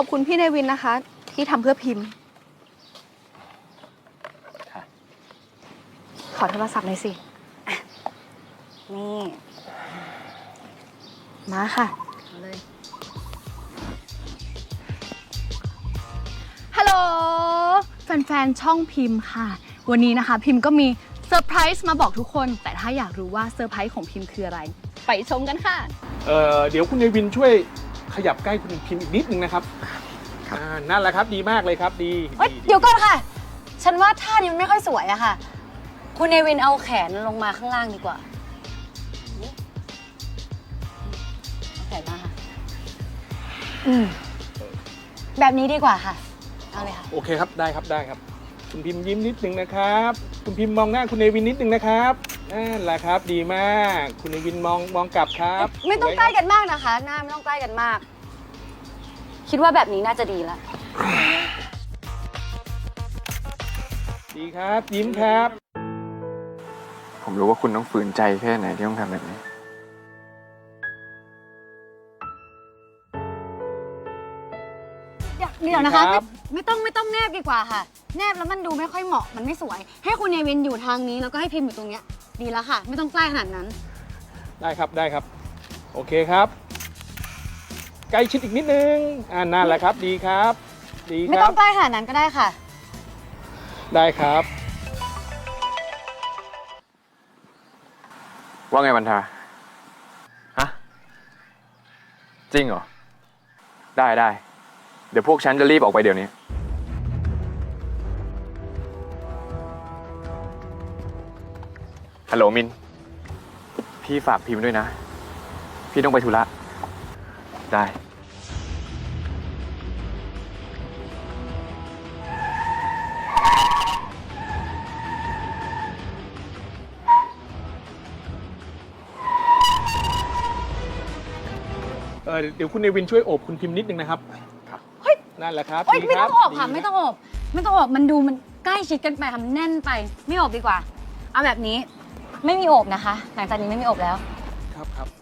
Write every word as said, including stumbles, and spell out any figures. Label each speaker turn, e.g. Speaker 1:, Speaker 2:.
Speaker 1: อบคุณพี่เนวินนะคะ ที่ทำเพื่อพิมพ์ขอโทรศัพท์หน่อยสิอ่ะนี่มาค่ะเอาเลยฮัลโหลแฟนๆช่องพิมพ์ค่ะวันนี้นะคะพิมพ์ก็มีเซอร์ไพรส์มาบอกทุกคนแต่ถ้าอยากรู้ว่าเซอร์ไพรส์ของพิมพ์คืออะไรไปชมกันค่ะ
Speaker 2: เอ่อเดี๋ยวคุณเนวินช่วยขยับใกล้คุณพิมพ์อีกนิดนึงนะครับอ่านั่นแหละครับดีมากเลยครับดี
Speaker 3: เฮ้ยเดี๋ยวก่อนค่ะฉันว่าท่านี้มันไม่ค่อยสวยอะค่ะคุณเนวินเอาแขนลงมาข้างล่างดีกว่าเอาแขนมาค่ะอืมแบบนี้ดีกว่าค่ะเอาเลยค่ะ
Speaker 2: โอเคครับได้ครับได้ครับคุณพิมพ์ยิ้มนิดนึงนะครับคุณพิมพ์มองหน้าคุณเนวินนิดนึงนะครับนั่นแหละครับดีมากคุณเนวินมองมองกลับครับ
Speaker 3: ไม่ต้องใกล้กันมากนะคะหน้าไม่ต้องใกล้กันมากคิดว่าแบบนี้น่าจะดีแล้ว
Speaker 2: ดีครับยิ้มครับ
Speaker 4: ผมรู้ว่าคุณต้องฝืนใจแค่ไหนที่ต้องทำแบบนี้
Speaker 3: เดี๋ยวเดี๋ยวนะคะไม่ไม่ต้องไม่ต้องแนบดีกว่าค่ะแนบแล้วมันดูไม่ค่อยเหมาะมันไม่สวยให้คุณเนวินอยู่ทางนี้แล้วก็ให้พิมพ์อยู่ตรงเนี้ยดีแล้วค่ะไม่ต้องใกล้ขนาดนั้น
Speaker 2: ได้ครับได้ครับโอเคครับใกล้ชิดอีกนิดนึงอ่านั่นแหละครับดีครับดีครับ
Speaker 3: ไม่ต้องใกล้ขนาดนั้นก็ได้ค่ะ
Speaker 2: ได้ครับ
Speaker 4: ว่าไงวันทาฮะจริงเหรอได้ได้เดี๋ยวพวกฉันจะรีบออกไปเดี๋ยวนี้ฮัลโหลมินพี่ฝากพิมพ์ด้วยนะพี่ต้องไปธุระได้
Speaker 2: เออเดี๋ยวคุณเนวินช่วยโอบคุณพิมพ์นิดนึงนะครับ
Speaker 3: เฮ้ย
Speaker 2: นั่นแหละครับ
Speaker 3: เฮ้ยไม่ต้องโอบค่ะ
Speaker 2: ดี
Speaker 3: ไม่ต้องโอบไม่ต้องโอบมันดูมันใกล้ชิดกันไปทำแน่นไปไม่โอบดีกว่าเอาแบบนี้ไม่มีโอบนะคะหลังจากนี้ไม่มีโอบแล้ว
Speaker 2: ครับครับ